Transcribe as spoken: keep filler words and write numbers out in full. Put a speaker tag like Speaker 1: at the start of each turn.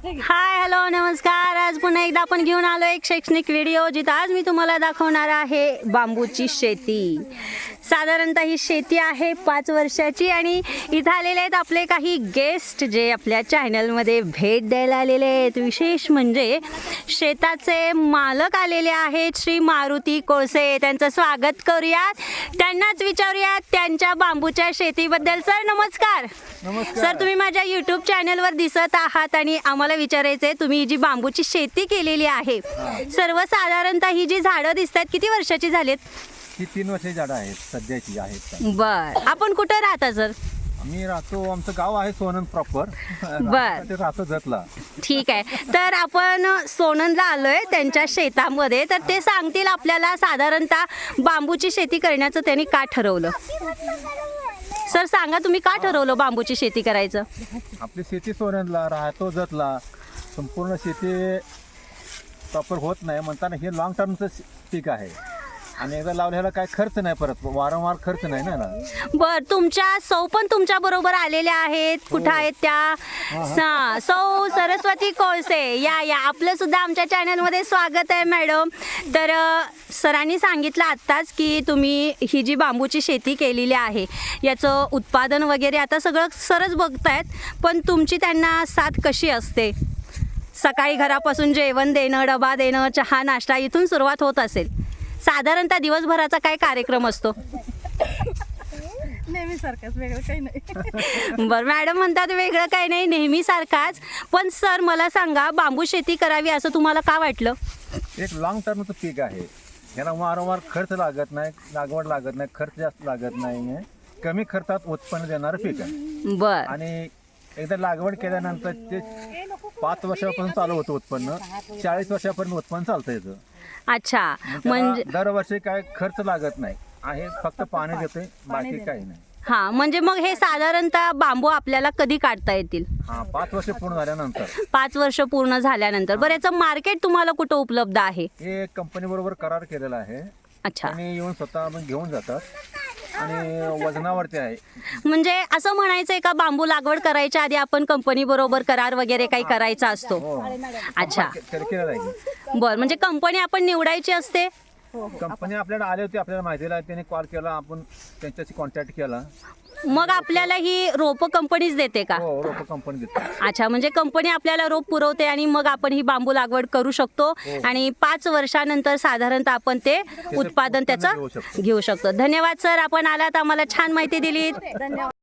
Speaker 1: Hi hello नमस्कार. आज पुन्हा एकदा आपण घेऊन आलो एक शैक्षणिक व्हिडिओ, जिथं आज मी तुम्हाला दाखवणार आहे बांबूची शेती. साधारणतः ही शेती आहे पाच वर्षाची आणि इथं आलेले आहेत आपले काही गेस्ट जे आपल्या चॅनलमध्ये भेट द्यायला आलेले आहेत. विशेष म्हणजे शेताचे मालक आलेले आहेत श्री मारुती कोळसे. त्यांचं स्वागत करूयात, त्यांनाच विचारूयात त्यांच्या बांबूच्या शेतीबद्दल. सर नमस्कार. सर तुम्ही माझ्या यूट्यूब चॅनलवर दिसत आहात आणि आम्हाला विचारायचं आहे, तुम्ही ही जी बांबूची शेती केलेली आहे सर्वसाधारणतः ही जी झाडं दिसत आहेत किती वर्षाची झालीत?
Speaker 2: ही तीन वर्षाची झाडं आहेत सध्याची आहेत.
Speaker 1: बर, आपण कुठं राहता सर?
Speaker 2: आम्ही राहतो, आमचं गाव आहे सोनंद प्रॉपर.
Speaker 1: बर,
Speaker 2: राहतो जतला.
Speaker 1: ठीक आहे. तर आपण सोनंदला आलोय त्यांच्या शेतामध्ये, तर ते सांगतील आपल्याला साधारणतः बांबूची शेती करण्याचं त्यांनी का ठरवलं. सर सांगा, तुम्ही का ठरवलं बांबूची शेती करायचं?
Speaker 2: आपली शेती सोनंदला, राहतो जतला. संपूर्ण शेती प्रॉपर होत नाही म्हणताना हे लॉंग टर्मचं पीक आहे आणि एकदा लावल्याला काय खर्च नाही, परत वारंवार खर्च नाही ना.
Speaker 1: बर, तुमच्या सौ पण तुमच्या बरोबर आलेल्या आहेत. कुठं आहेत त्या? सा सौ सरस्वती कोळसे. या या आपलं सुद्धा आमच्या चॅनलमध्ये स्वागत आहे मॅडम. तर सरांनी सांगितलं आत्ताच की तुम्ही ही जी बांबूची शेती केलेली आहे याचं उत्पादन वगैरे आता सगळं सरच बघतायत, पण तुमची त्यांना साथ कशी असते? सकाळी घरापासून जेवण देणं, डबा देणं, चहा नाश्ता इथून सुरुवात होत असेल. साधारणतः दिवसभराचा काय कार्यक्रम असतो?
Speaker 3: नेहमी सारखाच, वेगळं काही नाही.
Speaker 1: बरं, मॅडम म्हणतात वेगळं काही नाही, नेहमी सारखाच. पण सर मला सांगा, बांबू शेती करावी असं तुम्हाला का वाटलं?
Speaker 2: एक लॉंग टर्मचं पीक आहे, याला वारंवार खर्च लागत नाही, लागवड लागत नाही, खर्च जास्त लागत नाही, कमी खर्चात उत्पन्न देणारं पीक आहे.
Speaker 1: बर,
Speaker 2: आणि एकदा लागवड केल्यानंतर ते पाच वर्षापासून चालू होतं उत्पन्न, चाळीस वर्षापर्यंत उत्पन्न चालतं याचं.
Speaker 1: अच्छा.
Speaker 2: म्हणजे
Speaker 1: म्हणजे
Speaker 2: दरवर्षी काय खर्च लागत नाही आहे, फक्त पाणी देतोय, बाकी काही नाही.
Speaker 1: हा, म्हणजे मग हे साधारणतः बांबू आपल्याला कधी काढता येतील?
Speaker 2: हा, पाच वर्ष पूर्ण झाल्यानंतर.
Speaker 1: पाच वर्ष पूर्ण झाल्यानंतर. बरं, याचं मार्केट तुम्हाला कुठं उपलब्ध आहे?
Speaker 2: हे कंपनी बरोबर करार केलेला आहे.
Speaker 1: अच्छा.
Speaker 2: आणि येऊन स्वतः मग घेऊन जातात आणि वजनावरती आहे.
Speaker 1: म्हणजे असं म्हणायचंय का बांबू लागवड करायच्या आधी आपण कंपनी बरोबर करार वगैरे काही करायचा असतो?
Speaker 2: हो.
Speaker 1: अच्छा.
Speaker 2: केलं केलं आहे.
Speaker 1: बरं, म्हणजे कंपनी आपण निवडायची असते?
Speaker 2: कंपनी आपल्याला आले होते, आपल्याला माहिती दिला, त्याने कॉल केला, आपण त्यांच्याशी कॉन्टॅक्ट केला.
Speaker 1: मग आपल्याला ही रोप कंपनीच देते का?
Speaker 2: हो, रोप कंपनी देते.
Speaker 1: अच्छा, म्हणजे कंपनी आपल्याला रोप पुरवते आणि मग आपण ही बांबू लागवड करू शकतो आणि पाच वर्षानंतर साधारणतः आपण ते उत्पादन त्याचं घेऊ शकतो. धन्यवाद सर, आपण आलात, आम्हाला छान माहिती दिली.
Speaker 3: धन्यवाद.